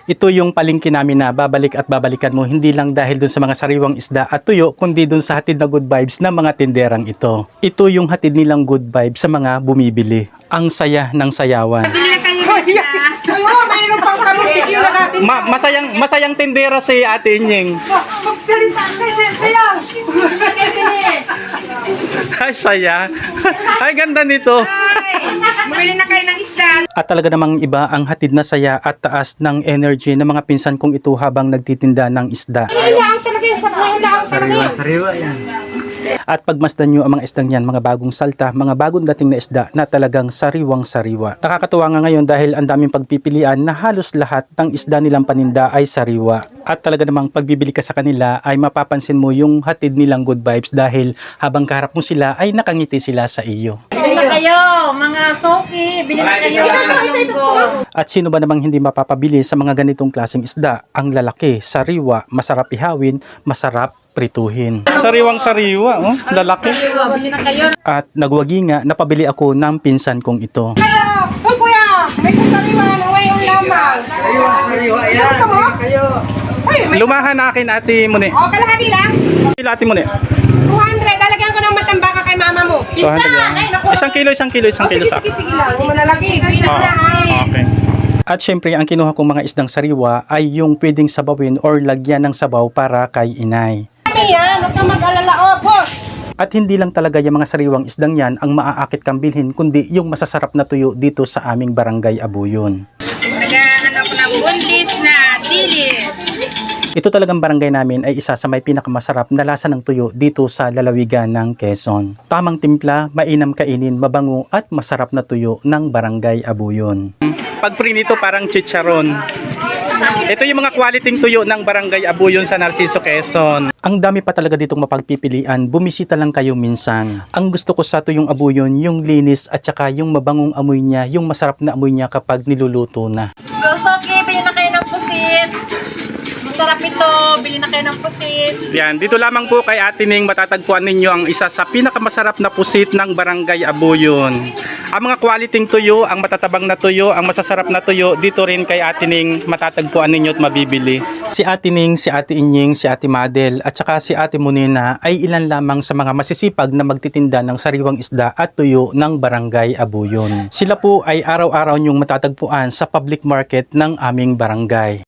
Ito yung palengke namin na babalik at babalikan mo, hindi lang dahil dun sa mga sariwang isda at tuyo, kundi dun sa hatid na good vibes ng mga tinderang ito. Ito yung hatid nilang good vibes sa mga bumibili. Ang saya ng sayawan. Mayroon pang kamutik yung nakatin. Masayang tindera si Ate Inying. Magsalita kasi sayaw. Ay, saya. Ay, ganda nito. Bumili na kayo ng isda. At talaga namang iba ang hatid na saya at taas ng energy ng mga pinsan kong ito habang nagtitinda ng isda. Ang talaga yung sa mga daang talaga. Sariwa yan. At pagmasdan nyo ang mga isdang yan, mga bagong salta, mga bagong dating na isda na talagang sariwang sariwa. Nakakatuwa nga ngayon dahil ang daming pagpipilian na halos lahat ng isda nilang paninda ay sariwa. At talaga namang pagbibili ka sa kanila ay mapapansin mo yung hatid nilang good vibes dahil habang kaharap mo sila ay nakangiti sila sa iyo. Bili na kayo, mga soki. Bili na kayo. At sino ba namang hindi mapapabili sa mga ganitong klaseng isda? Ang lalaki, sariwa, masarap ihawin, masarap prituhin. Sariwang sariwa, oh, lalaki. Bili na kayo. At nagwagi nga, napabili ako ng pinsan kong ito. Hoy kuya, may kusariwa na ngayong lamang. Sariwa yan. Gusto mo? Hoy, may... Lumahan na akin, Ate Mune. O, kalahati lang. Ate Mune. 200. Lalagyan ko ng matambaka kay mama mo. Pizza. 200 lang. Ay, naku. Isang kilo sa Sige, akin. sige lang. Kung malalaki. Bili Oh, na na. okay. At syempre, ang kinuha kong mga isdang sariwa ay yung pwedeng sabawin or lagyan ng sabaw para kay inay. Kami yan. Huwag kang mag-alala. O, boss. At hindi lang talaga yung mga sariwang isdang yan ang maaakit kang bilhin, kundi yung masasarap na tuyo dito sa aming barangay Abuyon. Naghahanap ako ng bundis na dilis. Ito talagang barangay namin ay isa sa may pinakamasarap na lasa ng tuyo dito sa lalawigan ng Quezon. Tamang timpla, mainam kainin, mabango at masarap na tuyo ng barangay Abuyon. Pag prinito parang chicharon. Ito yung mga quality tuyo ng barangay Abuyon sa Narciso, Quezon. Ang dami pa talaga ditong mapagpipilian, bumisita lang kayo minsan. Ang gusto ko sa tuyong Abuyon, yung linis at saka yung mabangong amoy niya, yung masarap na amoy niya kapag niluluto na. Go, Soki. Bili na kayo ng pusit. Masarap ito. Bili na kayo ng pusit. Yan, dito lamang po kay Ate Ning matatagpuan ninyo ang isa sa pinakamasarap na pusit ng barangay Abuyon. Ang mga quality tuyo, ang matatabang na tuyo, ang masasarap na tuyo, dito rin kay Ate Ning matatagpuan ninyo at mabibili. Si Ate Ning, si Ate Inying, si Ate Madel at saka si Ate Munina ay ilan lamang sa mga masisipag na magtitinda ng sariwang isda at tuyo ng barangay Abuyon. Sila po ay araw-araw niyong matatagpuan sa public market ng aming barangay.